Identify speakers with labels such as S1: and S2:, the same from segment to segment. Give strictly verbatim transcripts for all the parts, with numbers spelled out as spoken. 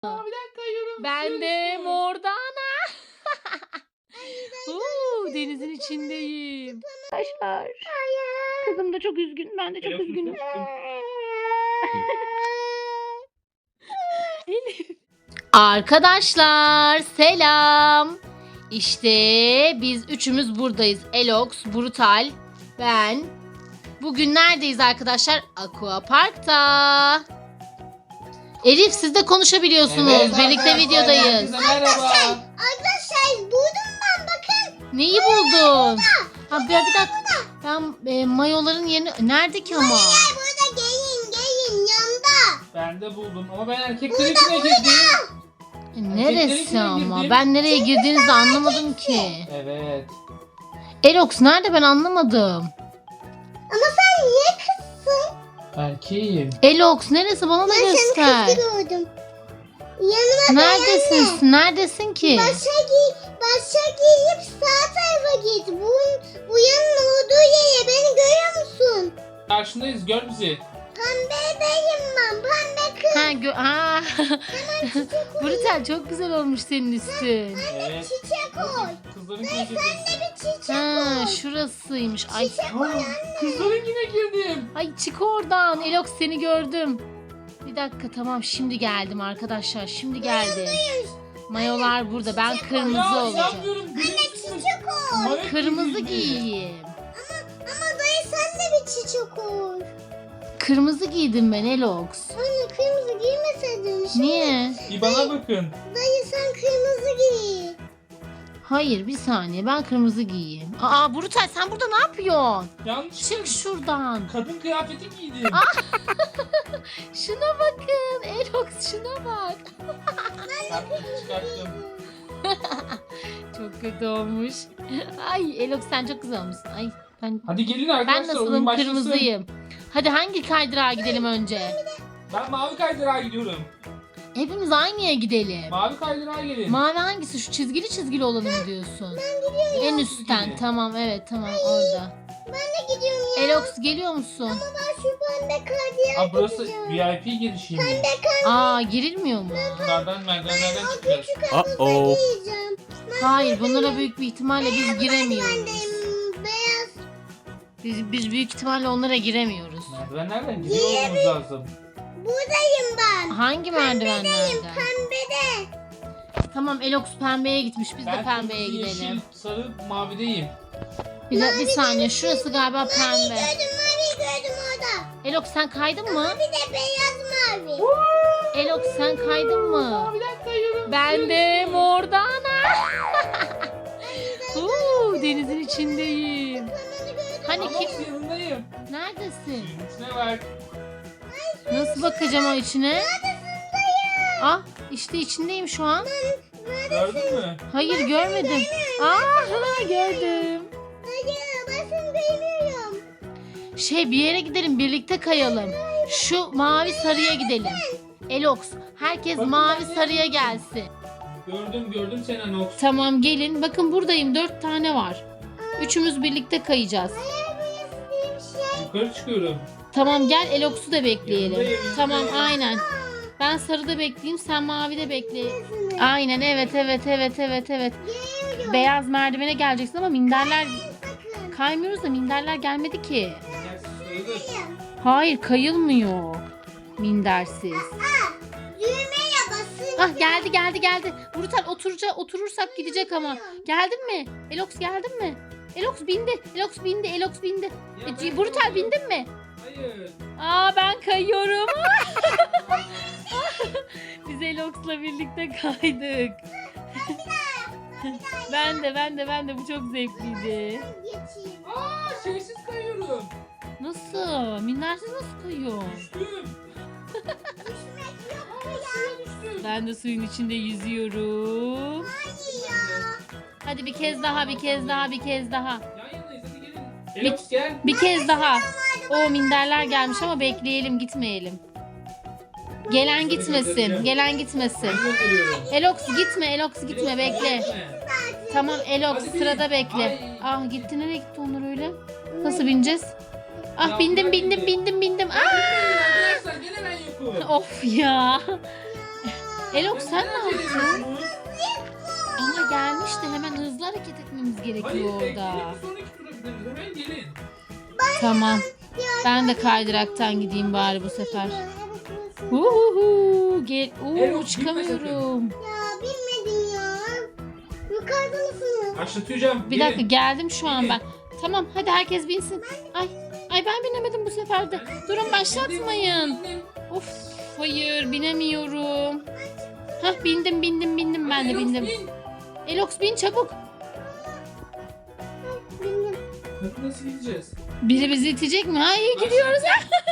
S1: Aa, bir dakika yorum.
S2: Ben de Mordana. Uuu, denizin içindeyim. Arkadaşlar. Kızım da çok üzgün. Ben de çok
S1: Telefonu
S2: üzgünüm.
S1: tuttum.
S2: Arkadaşlar selam. İşte biz üçümüz buradayız. Elox, Brutal, ben. Bugün neredeyiz arkadaşlar? Aqua Park'ta. Elif siz de konuşabiliyorsunuz.
S1: Evet,
S2: Birlikte
S1: arkadaşlar,
S2: videodayız.
S1: herkese merhaba.
S3: Arkadaşlar buldum ben bakın.
S2: Neyi buldun? Ha bir, bir dakika. Ben e, mayoların yerini... Nerede ki ama?
S3: Burada gelin gelin yanında.
S1: Ben de buldum ama ben erkeklerin içine girdim.
S2: E, Neresi
S1: içine
S2: ama?
S1: girdim.
S2: Ben nereye girdiğinizi anlamadım ki.
S1: Evet.
S2: Elox nerede ben anlamadım.
S3: Ama sen niye kızsın?
S1: Erkeğim.
S2: Elox neresi bana da
S3: Ben seni
S2: göster.
S3: kızı gördüm. Yanıma
S2: Neredesin? Neredesin ki?
S3: başa, gi başa giyip sağ tarafa git. Bu, bu yanın olduğu yere beni görüyor musun?
S1: Karşındayız, gör bizi.
S3: Pembedeyim ben pembe kız.
S2: Ha, gö ha. Brutal çok güzel olmuş senin üstün.
S1: Evet.
S3: Çiçek koy.
S1: Kızların içine
S3: Sen
S1: girdim.
S3: de bir çiçek
S2: Ha,
S3: koy.
S2: şurasıymış. Ay,
S1: Aa, kızların yine girdim.
S2: ay çık oradan. Elox seni gördüm. Bir dakika tamam şimdi geldim arkadaşlar. Şimdi geldim. Mayolar burada. Ben kırmızı
S1: Ya
S2: olacağım.
S1: inanmıyorum.
S3: Çiçek koy.
S1: Mayık
S2: Kırmızı
S1: gibiyim.
S2: giyeyim.
S3: Ama dayı sen de bir çiçek koy.
S2: Kırmızı giydim ben Elox.
S3: Anne kırmızı giymeseydin. Şimdi
S2: Niye?
S1: Bir bana bakın.
S3: dayı sen kırmızı giy.
S2: Hayır bir saniye ben kırmızı giyeyim. Aa Brutal sen burada ne yapıyorsun?
S1: Yanlış.
S2: Çık şuradan.
S1: Kadın kıyafeti giydim.
S2: Şuna bakın. Elox şuna bak.
S1: Çıkarttım, çıkarttım.
S2: Çok kötü olmuş. Ay Elox sen çok güzel olmuşsun. Ay ben
S1: Hadi gelin
S2: ben
S1: arkadaşlar, oyun
S2: nasılım?
S1: başlasın.
S2: Kırmızıyım. Hadi hangi kaydırağa gidelim önce?
S1: Ben mavi kaydırağa gidiyorum.
S2: Hepimiz aynıya gidelim.
S1: Mavi kaydırağa gelin.
S2: Mavi hangisi? Şu çizgili çizgili olanı mı diyorsun? En üstten.
S1: Çizgili.
S2: Tamam evet tamam orada.
S3: Ben de gidiyorum ya.
S2: Elox geliyor musun?
S3: Ben şu pembe kadiye
S1: Aa, burası V I P girişiymiş.
S2: Aa girilmiyor mu?
S1: Bunlardan merdivenlerden çıkacağız.
S4: Uh-oh.
S3: giyeceğim.
S2: Hayır bunlara büyük bir ihtimalle biz giremiyoruz.
S3: Bendeyim beyaz.
S2: Biz, biz büyük ihtimalle onlara giremiyoruz.
S1: Merdivenlerden gidiyor olmamız lazım.
S3: Buradayım ben.
S2: Hangi merdivenlerden?
S3: Pembede.
S2: Tamam Elox pembeye gitmiş biz de
S1: Ben
S2: pembeye
S1: kırmızı,
S2: gidelim.
S1: yeşil, sarı, mavideyim.
S2: Bir, de- bir saniye şurası galiba
S3: Mavi
S2: pembe.
S3: gördüm mavi gördüm orada.
S2: Elox sen kaydın mı?
S3: Bir de beyaz mavi.
S2: Elox sen kaydın mı?
S1: Bir dakika yorum.
S2: Ben de Mordana. Uuu, denizin içindeyim. Hani
S1: Ama
S2: kim?
S1: yanındayım.
S2: Neredesin?
S1: Suyun içine bak.
S2: Nasıl bakacağım o içine? Ah işte içindeyim şu an.
S1: Gördün mü?
S2: Hayır görmedim. Aa gördüm.
S3: Hayır ben seni beğeniyorum.
S2: Şey bir yere gidelim birlikte kayalım. Şu mavi sarıya gidelim. Elox herkes
S1: Bakın
S2: mavi
S1: ben
S2: sarıya
S1: neredeyim?
S2: gelsin.
S1: Gördüm gördüm seni Anox.
S2: Tamam gelin. Bakın buradayım. Dört tane var. Üçümüz birlikte kayacağız.
S1: Yukarı çıkıyorum.
S2: Tamam gel Elox'u da bekleyelim.
S1: Yanındayım,
S2: Tamam
S1: yanındayım.
S2: aynen. Ben sarıda bekleyeyim sen mavide bekle. Aynen evet evet evet evet evet. Beyaz merdivene geleceksin ama minderler
S3: Bakın.
S2: kaymıyoruz da minderler gelmedi ki.
S1: Gel, sayılır.
S2: Hayır kayılmıyor. Mindersiz.
S3: Düğmeye basın.
S2: Ah geldi geldi geldi. Brutal oturacak oturursak gidecek ama. Geldin mi? Elox geldin mi? Elox bindi. Elox bindi. Elox bindi.
S1: Ya
S2: E,
S1: ben
S2: Brutal
S1: kayıyorum.
S2: bindin mi?
S1: Hayır.
S2: Aa ben kayıyorum. Biz Elox'la birlikte kaydık. ben de ben de ben de bu çok zevkliydi.
S3: Geçeyim.
S1: Aa şeysiz kayıyorum.
S2: Nasıl? Mindersiz nasıl kayıyor?
S1: Düştüm.
S3: Düşmek yok ya.
S1: Düştüm.
S2: Ben de suyun içinde yüzüyorum.
S3: Ya.
S2: Hadi bir kez daha bir kez daha bir kez daha.
S1: Yan yanayız hadi gelin. Elox gel.
S2: Bir kez daha. O minderler gelmiş ama bekleyelim gitmeyelim. Gelen gitmesin. Gelen gitmesin.
S1: Ben gönderiyorum.
S2: Elox gitme Elox gitme bekle.
S1: Gitme.
S2: Tamam Elox
S1: Hadi bin.
S2: sırada bekle.
S1: Ay.
S2: Ah gitti nereye gitti onlar öyle? Nasıl bineceğiz? Ah
S1: Ya,
S2: bindim
S1: bırak
S2: bindim
S1: beni.
S2: bindim bindim. Ah!
S1: Arkadaşlar gene ben yokum.
S2: Of ya. Elox sen ne yaptın?
S1: yapıyorsunuz?
S2: Ama gelmiş de hemen hızlı hareket etmemiz
S1: Hayır
S2: gerekiyor orada.
S1: bekleyin. Sonraki tura gideriz. Hemen gelin.
S2: Tamam. Ben de kaydıraktan gideyim bari bu sefer.
S3: Evet, burası.
S2: Uhuhu. Gel. Oo,
S1: Elox,
S2: çıkamıyorum.
S3: Ya bilmedim ya. Yukarıda mısınız?
S1: Başlatacağım.
S2: Bir
S1: gelin.
S2: dakika geldim şu an
S1: Gelin.
S2: ben. Tamam hadi herkes binsin. Ay ay ben binemedim bu sefer de. Durun başlatmayın. Of hayır binemiyorum. Hah bindim bindim bindim ben de
S1: Elox,
S2: bindim.
S1: bin.
S2: Elox bin çabuk.
S3: Bilmiyorum.
S1: Hadi nasıl gideceğiz?
S2: Biri bizi itecek mi? Ha iyi gidiyoruz.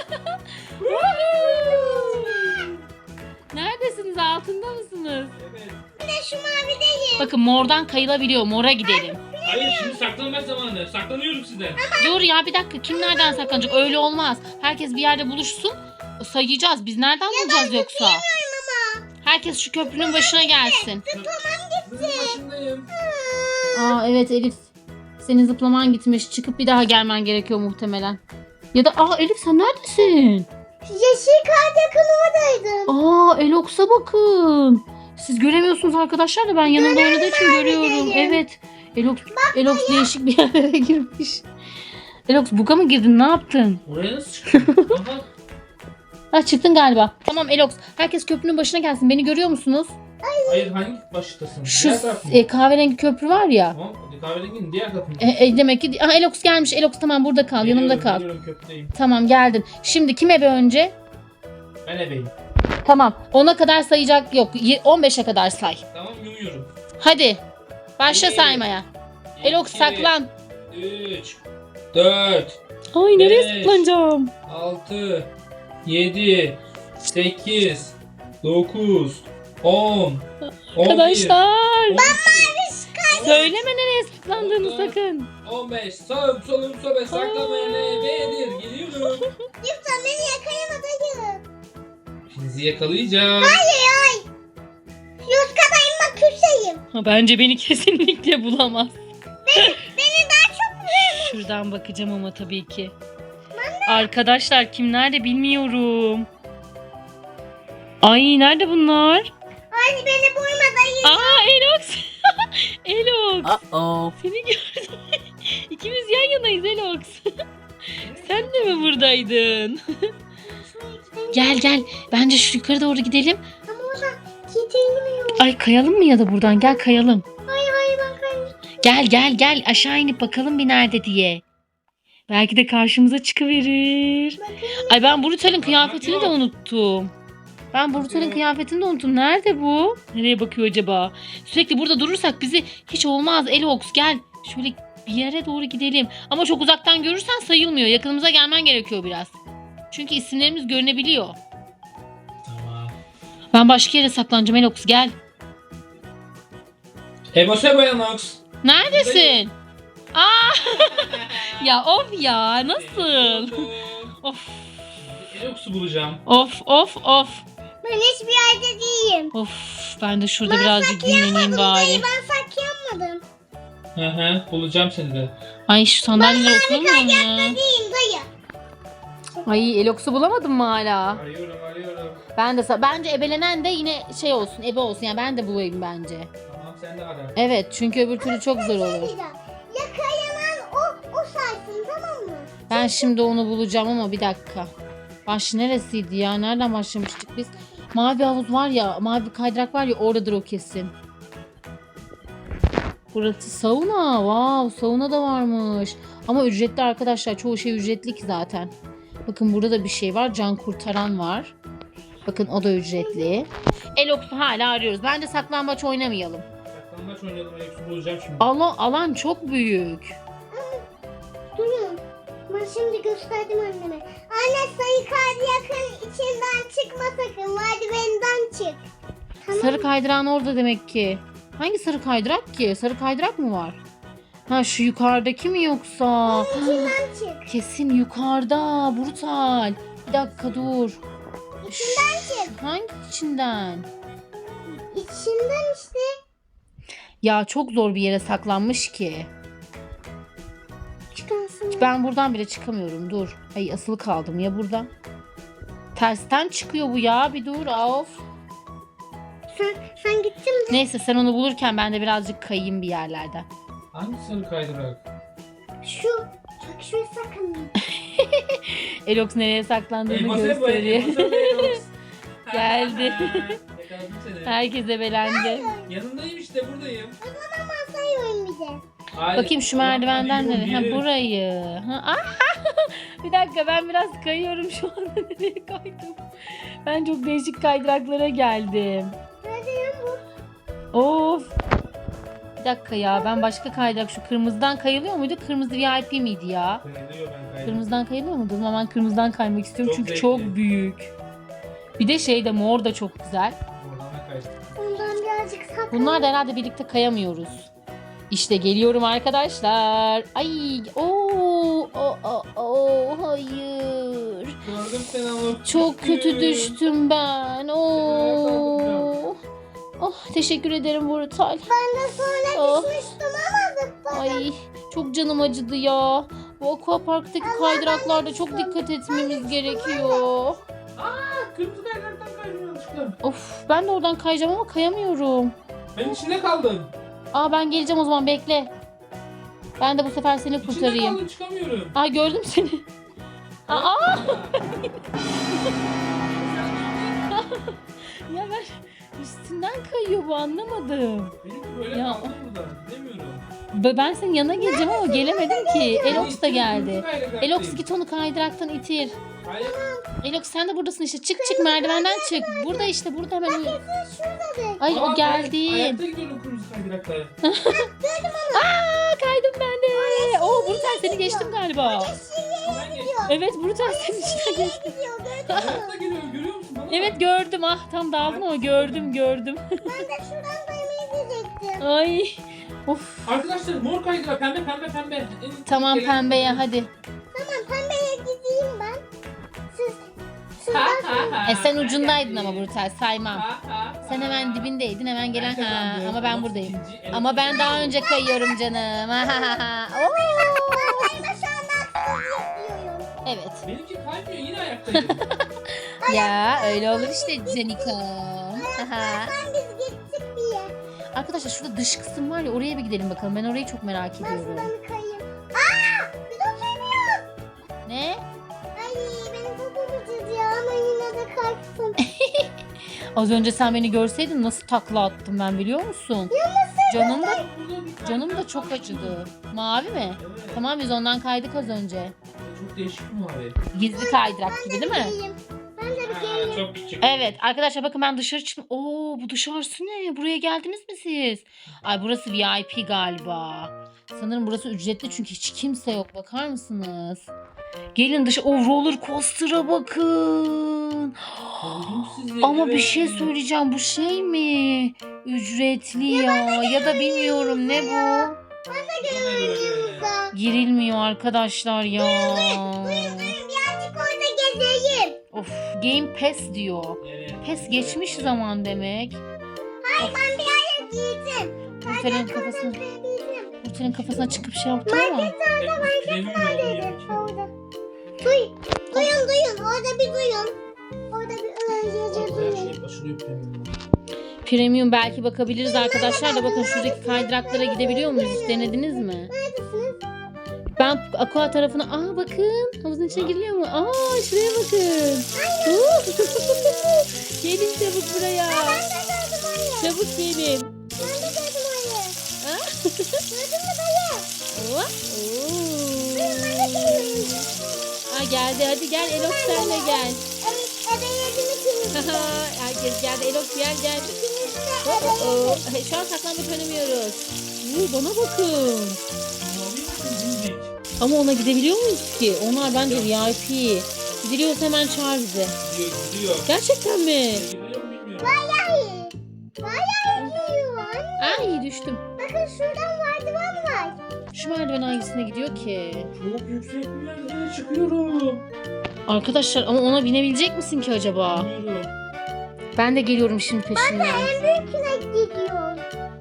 S2: Neredesiniz? Altında mısınız?
S1: Evet.
S3: Bir de şu mavideyim.
S2: Bakın mordan kayılabiliyor. Mora gidelim.
S1: Hayır şimdi saklanma zamanı. Saklanıyorum sizden.
S2: Dur ya bir dakika. Kim nereden saklanacak? Öyle olmaz. Herkes bir yerde buluşsun. Sayacağız. Biz nereden bulacağız yoksa? Herkes şu köprünün başına gelsin.
S1: Kızın başındayım.
S2: Aa evet Elif. Senin zıplaman gitmiş. Çıkıp bir daha gelmen gerekiyor muhtemelen. Ya da aa Elif sen neredesin?
S3: Yeşil kart yakın oradaydım.
S2: Aa Elox'a bakın. Siz göremiyorsunuz arkadaşlar da ben yanımda oynadığı için görüyorum. Evet. Elox, Elox değişik bir yerlere girmiş. Elox buga mı girdin? Ne yaptın?
S1: Oraya nasıl çıktın? Aha.
S2: Ha çıktın galiba. Tamam Elox. Herkes köprünün başına gelsin. Beni görüyor musunuz?
S1: Hayır hangi baştasın?
S2: Şu
S1: Diğer taraf mı?
S2: e, kahverengi köprü var ya.
S1: Tamam. Kahverenginin diğer tarafı mı?
S2: E, e, demek ki ha, Elox gelmiş. Elox tamam burada kal. Yanımda
S1: Geliyorum,
S2: kal.
S1: geliyorum, köprüdeyim.
S2: Tamam geldin. Şimdi kim ebe önce?
S1: Ben ebeyim.
S2: Tamam. ona kadar sayacak yok. Y- on beşe kadar say.
S1: Tamam yumuyorum.
S2: Hadi. Başla
S1: Bir,
S2: saymaya. Elox
S1: iki,
S2: saklan.
S1: üç, dört,
S2: Ay
S1: nereye
S2: saklanacağım?
S1: altı, yedi, sekiz, dokuz, on,
S2: Arkadaşlar.
S1: on
S2: Söyleme nereye saklandığını
S1: Dokuz.
S2: sakın.
S1: on beş, sağım solum sobe saklamayan ebedir. Geliyorum.
S3: Lütfen beni yakalamadayım.
S1: Sizi yakalayacağım.
S3: Yuskadayım bak kürseyim.
S2: Ha, bence beni kesinlikle bulamaz.
S3: Beni daha çok vuruyor.
S2: Şuradan bakacağım ama tabii ki. Arkadaşlar kim nerede bilmiyorum. Ay nerede bunlar?
S3: Hadi beni vurmadayım.
S2: Aa Elox. Elox.
S4: Uh-oh.
S2: Seni gördüm. İkimiz yan yanayız Elox. Sen de mi buradaydın? Gel gel. Bence şu yukarı doğru gidelim.
S3: Ama orada gidilmiyor.
S2: Ay kayalım mı ya da buradan? Gel kayalım.
S3: Hayır hayır ben kaymış.
S2: Gel gel gel aşağı inip bakalım bir nerede diye. Belki de karşımıza çıkıverir. Ay ben Brutal'in kıyafetini de unuttum. Ben Brutal'in kıyafetini de unuttum. Nerede bu? Nereye bakıyor acaba? Sürekli burada durursak bizi hiç olmaz. Elox gel. Şöyle bir yere doğru gidelim. Ama çok uzaktan görürsen sayılmıyor. Yakınımıza gelmen gerekiyor biraz. Çünkü isimlerimiz görünebiliyor.
S1: Tamam.
S2: Ben başka yere saklanacağım Elox gel.
S1: Ebo Sebo Yanox.
S2: Neredesin? Aa! Ya of ya nasıl? Of
S1: Elox'u bulacağım.
S2: of of of.
S3: Ben hiçbir yerde değilim.
S2: Of ben de şurada birazcık dinleneyim bari.
S3: Dayı ben saklanmadım.
S1: Hı hı. Bulacağım seni de.
S2: Ay şu sandalyeler oturmuyor mu ya?
S3: Değilim dayı.
S2: Ay Elox'u bulamadın mı hala?
S1: Arıyorum arıyorum.
S2: Ben de sa- bence ebelenen de yine şey olsun, ebe olsun. Yani ben de bulayım bence.
S1: Tamam sen de ara.
S2: Evet çünkü öbür türlü çok zor olur.
S3: Yakalanan o, o saysın tamam mı?
S2: Ben şimdi onu bulacağım ama bir dakika. Baş neresiydi ya? Nereden başlamıştık biz? Mavi havuz var ya, mavi kaydırak var ya oradadır o kesin. Burası sauna. Wow, sauna da varmış. Ama ücretli arkadaşlar. Çoğu şey ücretli ki zaten. Bakın burada da bir şey var. Can kurtaran var. Bakın o da ücretli. Elox'u hala arıyoruz. Bence saklambaç oynamayalım.
S1: Saklambaç oynayalım. Elox'u bulacağım şimdi.
S2: Alan, alan çok büyük.
S3: Durun. Ben şimdi gösterdim anneme. Anne sayı kaydı yakın içinden çıkma sakın. Merdivenden çık. Tamam.
S2: Sarı kaydıran orada demek ki. Hangi sarı kaydırak ki? Sarı kaydırak mı var? Ha şu yukarıdaki mi yoksa?
S3: İçinden çık.
S2: Kesin yukarıda. Brutal. Bir dakika dur.
S3: İçinden çık.
S2: Hangi içinden?
S3: İçinden işte.
S2: Ya çok zor bir yere saklanmış ki.
S3: Çıkarsın.
S2: Ben buradan bile çıkamıyorum. Dur. Ay asılı kaldım ya buradan. Tersten çıkıyor bu ya. Bir dur. Of.
S3: Sen, sen gittin mi?
S2: Neyse sen onu bulurken ben de birazcık kayayım bir yerlerden.
S1: Hangi sarı kaydırak?
S3: Şu. Çok şuraya sakın.
S2: Elox nereye saklandığını
S1: Elmas hep bu,
S2: gösteriyor.
S1: elmas hep Elox.
S2: Geldi.
S1: Yakaladım seni.
S2: Herkese belendi.
S1: Yanındayım işte, buradayım.
S3: O zaman masayı bize.
S1: Hayır.
S2: Bakayım şu
S1: Ulan,
S2: merdivenden
S1: hadi
S2: nereye? Ha
S1: yürü.
S2: burayı. Ha, ah! Bir dakika ben biraz kayıyorum şu anda. Nereye kaydım? Ben çok değişik kaydıraklara geldim.
S3: Nerede ya bu?
S2: Of. Bir dakika ya ben başka kaydırak şu kırmızıdan kayılıyor muydu? Kırmızı V I P miydi ya?
S1: Kayılıyor, ben kaydım.
S2: Kırmızıdan kayılıyor muydu? O zaman ben kırmızıdan kaymak istiyorum
S1: Çok
S2: çünkü
S1: zevkli.
S2: çok büyük. Bir de şey de mor da çok güzel.
S1: Oradan da kaydım.
S3: Ondan birazcık sakın.
S2: Bunlar da herhalde birlikte kayamıyoruz. İşte geliyorum arkadaşlar. Ay, ooo, o, o, o, hayır.
S1: Gördüm seni ama.
S2: Çok kötü düştüm ben. Oo. Oh, teşekkür ederim Brutal.
S3: Ben de sonra
S2: Oh.
S3: düşmüştüm ama zıpladım.
S2: Ay, çok canım acıdı ya. Bu aquaparktaki kaydıraklarda çok dikkat etmemiz gerekiyor.
S1: Aa, kırmızı kaydıraktan kaydım yanlışlıkla.
S2: Of, ben de oradan kayacağım ama kayamıyorum.
S1: Ben içinde kaldım.
S2: Aa ben geleceğim o zaman bekle. Ben de bu sefer seni
S1: İçinde
S2: kurtarayım.
S1: kaldım, çıkamıyorum.
S2: Aa gördüm seni. Aa ya ben üstünden kayıyor bu anlamadım.
S1: Benimki böyle
S2: Ya.
S1: kaldım burada. Bilemiyorum.
S2: Be- Ben senin yanına geleceğim ama gelemedim ki. Elox da geldi.
S1: Kırmızı kaydıraktayım.
S2: Elox git onu kaydıraktan itir.
S1: Hayır.
S2: Elox sen de buradasın işte. Çık çık merdivenden çık. Burada işte burada hemen.
S3: Şurada de.
S2: Ay
S1: Aa,
S2: o
S1: ben
S2: geldi.
S1: Ayakta gidiyorum kırmızı kaydırakta.
S2: Aa kaydım ben de. Oo Brutal seni geçtim galiba.
S1: Ben geçtim.
S2: Evet Brutal seni işte geçtim.
S3: Gidiyor gördün mü?
S1: Ayakta gidiyor, görüyor musun? Bana
S2: Evet gördüm ah tam dağıldım ama gördüm gördüm.
S3: Ben de şuradan daymayı diyecektim.
S2: Ay of.
S1: Arkadaşlar mor kaydırak, pembe pembe pembe. En-
S2: Tamam
S1: gelen-
S2: pembeye hadi.
S3: Tamam pembeye gideyim ben. Siz
S1: Ha,
S3: şuradan
S1: ha, ha.
S2: E sen ucundaydın ama Brutal saymam.
S1: Ha, ha,
S2: Sen
S1: ha.
S2: hemen dibindeydin hemen gelen
S1: Ben
S2: ha
S1: kazandım.
S2: ama ben
S1: Elox
S2: buradayım.
S1: ikinci, Elox
S2: Ama ben
S1: ikinci.
S2: daha önce kayıyorum canım. Ha, ha, ha. Oo.
S3: Ben de şu anda haksızlık yapıyorum.
S2: Evet.
S1: Benimki kaymıyor, yine ayaktayım.
S2: Ya öyle olur işte Canika. Aha.
S3: Ben biz gittik diye.
S2: Arkadaşlar şurada dış kısım var ya oraya bir gidelim bakalım. Ben orayı çok merak
S3: Ben
S2: ediyorum.
S3: şuradan bir kayayım. Aa! Bir de kayıyor.
S2: Ne?
S3: Ay benim popom acıdı ya ama yine de kalktım.
S2: Az önce sen beni görseydin nasıl takla attım ben biliyor musun? Canım da
S1: Burada bir
S2: canım da
S1: kaydırak
S2: çok
S1: var.
S2: acıdı. Mavi mi?
S1: Evet.
S2: Tamam biz ondan kaydık az önce.
S1: Çok değişik mi abi?
S2: Gizli kaydırak gibi değil mi?
S3: Geleyim. Ben de bir
S1: Ha,
S3: geleyim.
S1: çok küçük.
S2: Evet arkadaşlar bakın ben dışarı çıktım. Oo bu dışarısı ne? Buraya geldiniz mi siz? Ay burası V I P galiba. Sanırım burası ücretli çünkü hiç kimse yok. Bakar mısınız? Gelin dışı. O roller coaster'a bakın.
S1: Kovdum sizi,
S2: Ama bir
S1: evet.
S2: şey söyleyeceğim. Bu şey mi? Ücretli ya. Ya da bilmiyorum ne bu?
S3: Yanımıza.
S2: Girilmiyor arkadaşlar ya.
S3: Birazcık orada gezeyim.
S2: Of Game Pass diyor.
S1: Evet.
S2: Pes geçmiş zaman demek.
S3: Hayır ben bir yere giydim.
S2: Nurten'in kafasına,
S3: Giydim.
S2: Nurten'in kafasına çıkıp şey yaptım ama.
S1: Hep premium oldu yani.
S3: Orada. Duy. Duyun duyun. Orada bir duyun. Orada bir öğrenci
S1: Her
S3: duyun.
S1: şey aşırı premium.
S2: Premium belki bakabiliriz arkadaşlar da bakın şuradaki kaydıraklara gidebiliyor muyuz? Hiç denediniz mi?
S3: Neredesiniz?
S2: Ben aqua tarafına aa bakın havuzun içine giriliyor mu? Aa şuraya bakın. Uh! Gelin çabuk buraya.
S3: Ben de gördüm ayı.
S2: Çabuk gelin.
S3: Ben de gördüm ayı.
S2: Ah.
S3: Gördün mü dayı?
S2: Oh,
S3: Duyun ben de
S2: oo.
S3: gördüm.
S2: Aa geldi hadi gel Elox sen de gel.
S3: Evet, ebeyledim ikimiz de.
S2: Haha, herkes geldi Elox gel gel.
S3: İkimiz de
S2: Oo,
S3: ebeyledim.
S2: hey, şu an saklanmak oynamıyoruz. Oo, bana bakın.
S1: Mavi misin, bilmek?
S2: Ama ona gidebiliyor muyuz ki? Onlar bence V I P. Gidiliyorsa hemen çağır bizi.
S1: Gidiyor, gidiyor.
S2: Gerçekten mi?
S1: Gidiyor mu bilmiyorum.
S3: Bayağı. Bayağı gidiyor anne.
S2: Ay düştüm.
S3: Bakın şuradan merdiven var.
S2: Şu merdiven hangisine gidiyor ki?
S1: Çok yüksek bir merdivene çıkıyorum.
S2: Arkadaşlar ama ona binebilecek misin ki acaba?
S1: Bilmiyorum.
S2: Ben de geliyorum şimdi peşinden.
S3: En büyüküne gidiyor.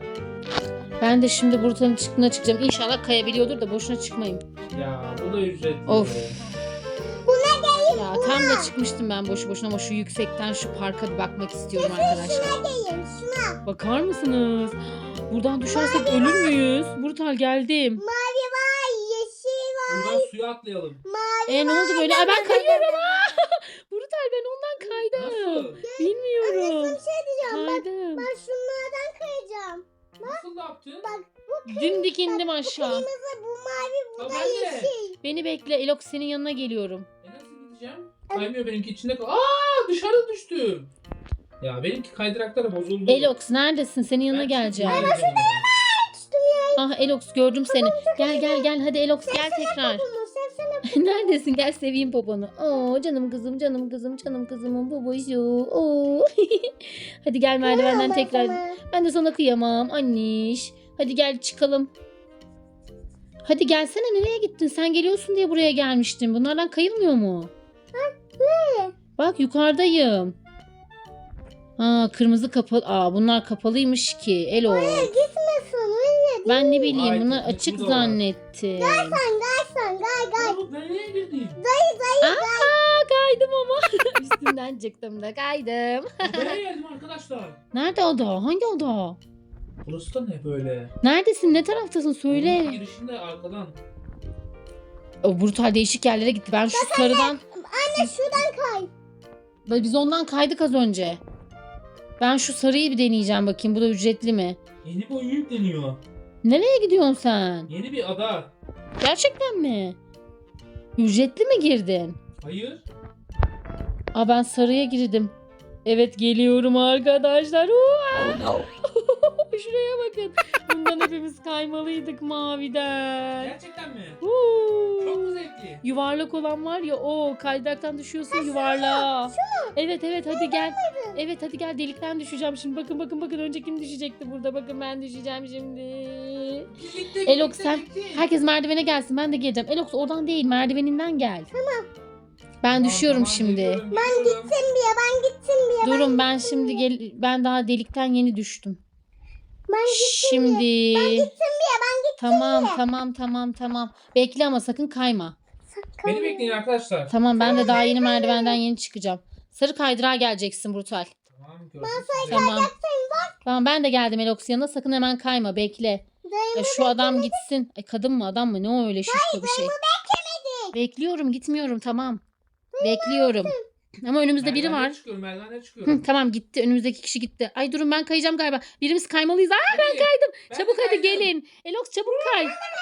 S2: Ben de şimdi buradan çıktığına çıkacağım. İnşallah kayabiliyordur da boşuna çıkmayayım.
S1: Ya bu da ücretli.
S2: Of.
S3: Bu ne değil?
S2: Ya
S3: Bu
S2: Tepemle çıkmıştım ben boşu boşuna ama şu yüksekten şu parka bir bakmak istiyorum arkadaşlar.
S3: Şuna gelin şuna.
S2: Bakar mısınız? Buradan düşersek ölür müyüz? Brutal geldim.
S3: Mavi var, yeşil var,
S1: Buradan suya atlayalım.
S3: mavi
S2: E ne oldu böyle? Ay ben kayıyorum. Brutal ben ondan kaydım.
S1: Nasıl?
S2: Bilmiyorum.
S3: Bir şey diyeceğim. Bak,
S2: Kaydım.
S3: ben şunlardan kayacağım.
S1: Nasıl ne yaptın?
S3: Bak bu
S2: Dimdik indim
S3: bu
S2: aşağı.
S3: kırmızı, bu mavi, bu
S1: Tamam,
S3: da
S1: ben de.
S3: yeşil.
S2: Beni bekle. Elox senin yanına geliyorum.
S1: E nasıl gideceğim? Kaymıyor benimki içinde kal. Aa dışarı düştüm. Ya benimki kaydırakları bozuldu.
S2: Elox neredesin? Senin yanına
S1: Ben
S2: geleceğim.
S1: çıkıyorum yanına.
S2: Ah Elox gördüm seni. Gel gel gel hadi Elox gel tekrar.
S3: Bunu sevsene.
S2: Neredesin? Gel seveyim poponu. Oo canım kızım canım kızım canım kızımın babası. Oo. Hadi gel merdivenden
S3: Tamam,
S2: tekrar.
S3: tamam.
S2: Ben de sana kıyamam anniş. Hadi gel çıkalım. Hadi gelsene nereye gittin? Sen geliyorsun diye buraya gelmiştim. Bunlardan kayılmıyor mu?
S3: Ne?
S2: Bak yukarıdayım. Aa kırmızı kapalı. Aa bunlar kapalıymış ki. Elo.
S3: Gitmesin öyle.
S2: Ben ne bileyim
S1: Ay,
S2: bunlar
S1: gitmiş,
S2: açık
S1: bu da var.
S2: zannettim.
S3: Sen gaysan gay gay.
S1: Oğlum nereye girdin?
S2: Aa kaydım ama. Üstünden çıktım da kaydım.
S1: Nereye geldim arkadaşlar?
S2: Nerede oda? Hangi oda?
S1: Burası da ne böyle?
S2: Neredesin? Ne taraftasın?
S1: Bunun
S2: Söyle.
S1: girişinde arkadan.
S2: O brutal değişik yerlere gitti. Ben şu sarıdan...
S3: Anne şuradan kay.
S2: Biz ondan kaydık az önce. Ben şu sarıyı bir deneyeceğim bakayım. Bu da ücretli mi?
S1: Yeni bir oyun yükleniyor.
S2: Nereye gidiyorsun sen?
S1: Yeni bir ada.
S2: Gerçekten mi? Ücretli mi girdin?
S1: Hayır.
S2: Aa ben sarıya girdim. Evet geliyorum arkadaşlar. Hua! Şuraya bakın. Bundan hepimiz kaymalıydık maviden.
S1: Gerçekten mi?
S2: Huu!
S1: Çok mu zevkli?
S2: Yuvarlak olan var ya o kaydıraktan düşüyorsun yuvarlağa. Evet evet hadi gel. Evet hadi gel delikten düşeceğim şimdi. Bakın bakın bakın önce kim düşecekti burada. Bakın ben düşeceğim şimdi.
S1: Birlikte,
S2: Elox
S1: birlikte,
S2: sen
S1: birlikte.
S2: herkes merdivene gelsin ben de geleceğim. Elox oradan değil merdiveninden gel. Tamam. Ben
S1: Tamam,
S2: düşüyorum
S1: tamam,
S2: şimdi.
S1: geliyorum,
S3: Ben
S1: geliyorum.
S3: gittim bir ya ben gittim bir ya.
S2: Durun ben şimdi gel ben daha delikten yeni düştüm.
S3: Ben gittim
S2: Şimdi
S3: bir ya ben gittim.
S2: tamam tamam tamam tamam. Bekle ama sakın kayma.
S1: Beni bekleyin arkadaşlar.
S2: Tamam ben de daha yeni merdivenden yeni çıkacağım. Sarı kaydırağa geleceksin Brutal.
S1: Tamam gördüm sizi.
S2: Tamam. Tamam ben de geldim Elox yanına sakın hemen kayma bekle. Ya şu adam gitsin. Ay kadın mı adam mı ne o öyle şişko bir şey. Bekliyorum gitmiyorum tamam. Bekliyorum. Ama önümüzde biri
S1: Merdivenlere
S2: var.
S1: Çıkıyorum, merdivenlere çıkıyorum.
S2: Hı, tamam gitti önümüzdeki kişi gitti. Ay durun ben kayacağım galiba. Birimiz kaymalıyız. Aa ben
S1: Hadi.
S2: kaydım.
S1: Ben
S2: Çabuk
S1: de
S2: hadi
S1: kaydım.
S2: gelin. Elox çabuk kay.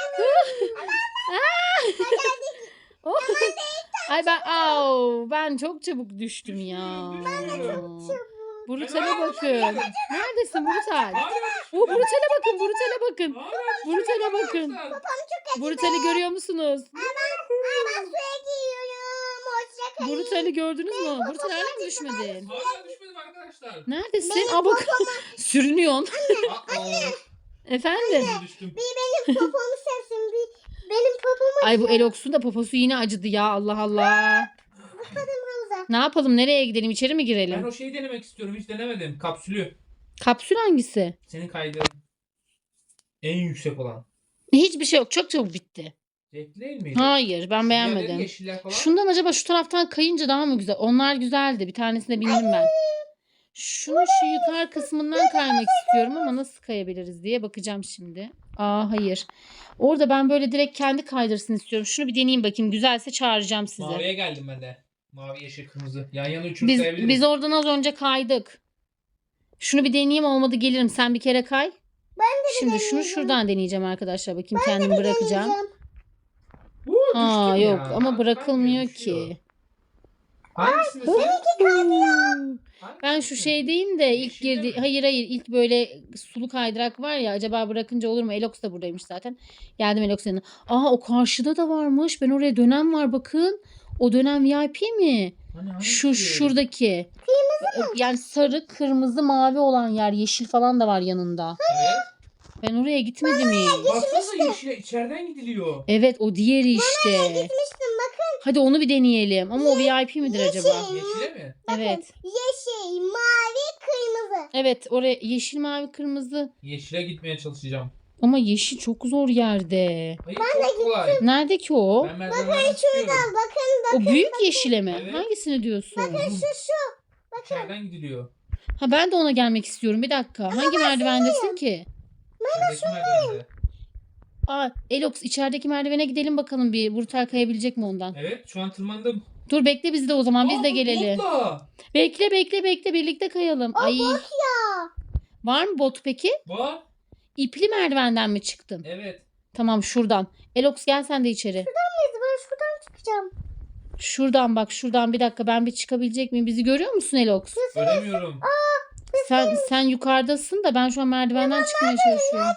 S2: Oh. Ay ben au, ben çok çabuk düştüm ya. Brutal'e bakın. Neredesin Brutal? O Brutal'e bakın, Brutal'e bakın. Brutal'e bakın. Brutal'i görüyor musunuz?
S3: Ben suya giriyorum. Hoşça kalın.
S2: Brutal'i gördünüz mü? Brutal hala mı düşmedin?
S1: Hala düşmedim arkadaşlar.
S2: Neredesin? Aa bak. Sürünüyorsun.
S1: Aa,
S2: Efendim?
S1: düştüm.
S3: Bir benim popomu sevsin. Bir benim popomu
S2: Ay bu Elox'un da poposu yine acıdı ya. Allah Allah.
S3: havuza.
S2: Ne yapalım? Nereye gidelim? İçeri mi
S1: Ben
S2: girelim?
S1: o şeyi denemek istiyorum. Hiç denemedim. Kapsülü.
S2: Kapsül hangisi?
S1: Senin kaydın. En yüksek olan.
S2: Hiçbir şey yok. Çok çabuk bitti.
S1: Zevkli değil miydi?
S2: Hayır ben
S1: Diğerleri
S2: beğenmedim.
S1: Yeşiller falan.
S2: Şundan acaba şu taraftan kayınca daha mı güzel? Onlar güzeldi. Bir tanesine bindim ben. Şunu şu yukarı kısmından kaymak istiyorum ama nasıl kayabiliriz diye bakacağım şimdi. Aa hayır. Orada ben böyle direkt kendi kaydırsın istiyorum. Şunu bir deneyeyim bakayım. Güzelse çağıracağım size.
S1: Maviye geldim ben de. Mavi, yeşil, kırmızı. Yan yana üçünü
S2: Biz,
S1: sayabiliriz.
S2: biz oradan az önce kaydık. Şunu bir deneyeyim olmadı gelirim. Sen bir kere kay. Şimdi şunu şuradan deneyeceğim arkadaşlar. Bakayım kendimi bırakacağım.
S1: Uuu,
S2: Aa
S1: düştüm
S2: yok
S1: ya.
S2: ama
S1: Bak,
S2: bırakılmıyor
S1: bak, düşüyor.
S2: ki.
S1: Hangisini sen?
S2: Hmm. Ben şu
S1: Hangisini?
S2: şeydeyim de ilk
S1: Yeşilde
S2: girdi.
S1: mi?
S2: Hayır hayır ilk böyle sulu kaydırak var ya acaba bırakınca olur mu? Elox da buradaymış zaten. Geldim Elox'un yanına. Aa o karşıda da varmış. Ben oraya dönem var bakın. O dönem V I P mi?
S1: Hani
S2: Şu
S1: hangisi?
S2: şuradaki. Kırmızı mı? Yani sarı, kırmızı, mavi olan yer. Yeşil falan da var yanında.
S1: Evet.
S2: Ben oraya gitmedim hiç.
S1: Baksana yeşile içeriden gidiliyor.
S2: Evet o diğeri işte.
S3: Gitmiştim bakın.
S2: Hadi onu bir deneyelim. Ama o V I P midir acaba?
S1: Yeşile mi?
S2: Evet.
S3: Yeşil, mavi, kırmızı.
S2: Evet oraya yeşil, mavi, kırmızı.
S1: Yeşile gitmeye çalışacağım.
S2: Ama yeşil çok zor yerde.
S1: Hayır çok kolay.
S2: Nerede ki o?
S1: Ben merdivenden çıkıyorum.
S3: Bakın
S2: O büyük yeşile mi?
S1: Evet.
S2: Hangisini diyorsun?
S3: şu şu.
S1: İçeriden gidiliyor.
S2: Ha ben de ona gelmek istiyorum. Bir dakika. Hangi merdivendesin ki?
S1: İçerideki merdivende.
S2: Aa, Elox içerideki merdivene gidelim bakalım bir. Brutal kayabilecek mi ondan?
S1: Evet şu an tırmandım.
S2: Dur bekle biz de o zaman. Biz
S1: Aa,
S2: de
S1: bu
S2: gelelim.
S1: botla.
S2: Bekle bekle bekle birlikte kayalım. Ay.
S3: Ya.
S2: Var mı bot peki?
S1: Var.
S2: İpli merdivenden mi çıktın?
S1: Evet.
S2: Tamam şuradan. Elox gel sen de içeri.
S3: Ben şuradan çıkacağım.
S2: Şuradan bak şuradan bir dakika ben bir çıkabilecek miyim? Bizi görüyor musun Elox?
S1: Göremiyorum.
S2: Sen sen yukarıdasın da ben şu an merdivenden çıkmaya çalışıyorum.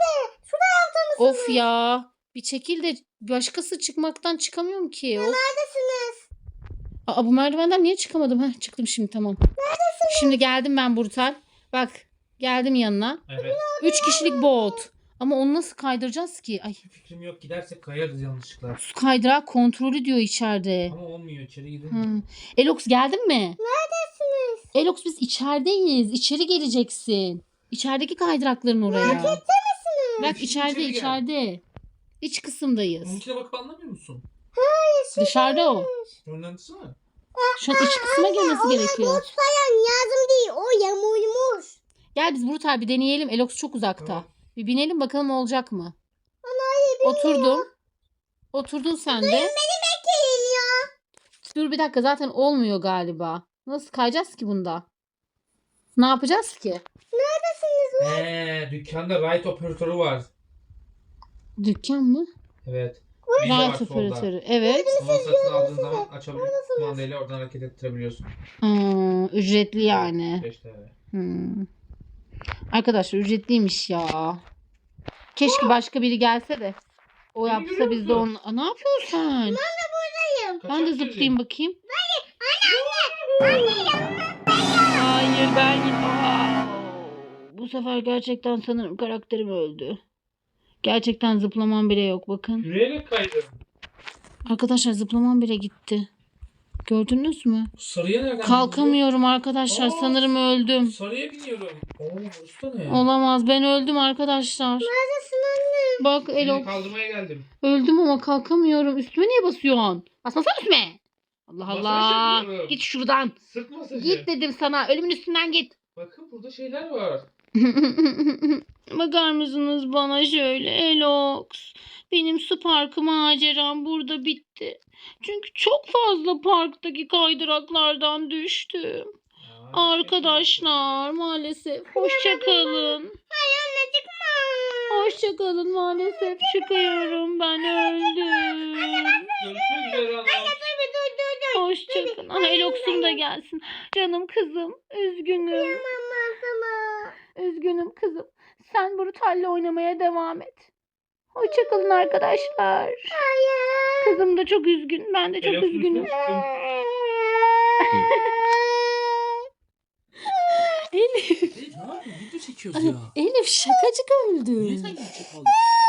S2: Of ya. Bir çekil de başkası çıkmaktan çıkamıyorum ki. Of.
S3: Neredesiniz?
S2: Aa, bu merdivenden niye çıkamadım? Heh, çıktım şimdi tamam. Şimdi geldim ben Brutal. Bak geldim yanına.
S1: Evet.
S2: Üç kişilik bot. Ama onu nasıl kaydıracağız ki? Ay,
S1: Fikrim yok. Gidersek kayarız yanlışlıkla.
S2: su kaydırağı kontrolü diyor içeride.
S1: Ama olmuyor. İçeri gidilmiyor.
S2: Hı. Elox geldin mi?
S3: Neredesiniz?
S2: Elox biz içerideyiz. İçeri geleceksin. İçerideki kaydırakların oraya. Bak
S1: İçeri
S2: içeride
S1: gel.
S2: içeride. İç kısımdayız.
S1: Onunkine bakıp anlamıyor musun?
S2: Dışarıda o.
S1: Öğrendisi mi?
S2: Şu an iç kısma girmesi gerekiyor.
S3: Bot falan yazım değil. O yamulmuş.
S2: Gel biz Brutal bir deneyelim. Elox çok uzakta.
S1: Tamam.
S2: Bir binelim bakalım olacak mı? Oturdum. Oturdun sen de.
S3: Beni bekleyin ya.
S2: Dur bir dakika zaten olmuyor galiba. Nasıl kayacağız ki bunda? Ne yapacağız ki?
S3: Neredesiniz?
S1: Eee dükkanda right operatörü var.
S2: Dükkan mı?
S1: Evet. Bir de var
S2: Right
S1: solda.
S2: operatörü. Evet.
S1: Onu satın aldığın zaman açabiliyorsun. Kumandayla oradan hareket ettirebiliyorsun.
S2: Hmm, ücretli yani.
S1: beş T L.
S2: Hmm. Arkadaşlar ücretliymiş ya. Keşke başka biri gelse de. O
S1: Beni
S2: yapsa
S1: görüyor
S2: biz de
S1: musun?
S2: onu... Aa, ne yapıyorsun sen? Ben de zıplayayım bakayım. Hayır ben... Aa, bu sefer gerçekten sanırım karakterim öldü. Gerçekten zıplamam bile yok bakın.
S1: Yürüyerek kaydım.
S2: Arkadaşlar zıplamam bile gitti. Gördünüz mü?
S1: Sarıya nereden
S2: Kalkamıyorum arkadaşlar.
S1: Aa.
S2: Sanırım öldüm.
S1: bindin? Sarıya biniyorum. Oo burası da ne?
S2: Olamaz. Ben öldüm arkadaşlar.
S3: Neredesin anne?
S2: Bak
S1: Seni
S2: Elo.
S1: kaldırmaya geldim.
S2: Öldüm ama kalkamıyorum. Üstüme niye basıyorsun? Basmasana üstüme. Allah
S1: Masaj
S2: Allah.
S1: yapıyorum.
S2: Git şuradan.
S1: Sırt masajı.
S2: Git dedim sana. Ölümün üstünden git.
S1: Bakın burada şeyler var.
S2: Bakar mısınız bana şöyle Elox? Benim su parkı maceram burada bitti. Çünkü çok fazla parktaki kaydıraklardan düştüm.
S1: Aa,
S2: Arkadaşlar maalesef hoşça kalın.
S3: Hayır anne çıkma.
S2: Hoşça kalın maalesef çıkıyorum ben öldüm.
S1: Görüşmek üzere ana.
S3: Dur dur dur dur.
S2: Hoşça kalın. Ah Elox'um da gelsin. Canım kızım üzgünüm.
S3: Mama sana.
S2: Üzgünüm kızım. Sen Brutal'le oynamaya devam et. Hoşça kalın arkadaşlar.
S3: Hayır.
S2: Kızım da çok üzgün. Ben de çok
S1: Elox'un
S2: üzgünüm.
S1: üstüne çıktım.
S2: Elif.
S1: Ne yapıyorsun? Video çekiyoruz ya.
S2: Elif şakacık öldü.
S1: Niye sen video çekiyorsun?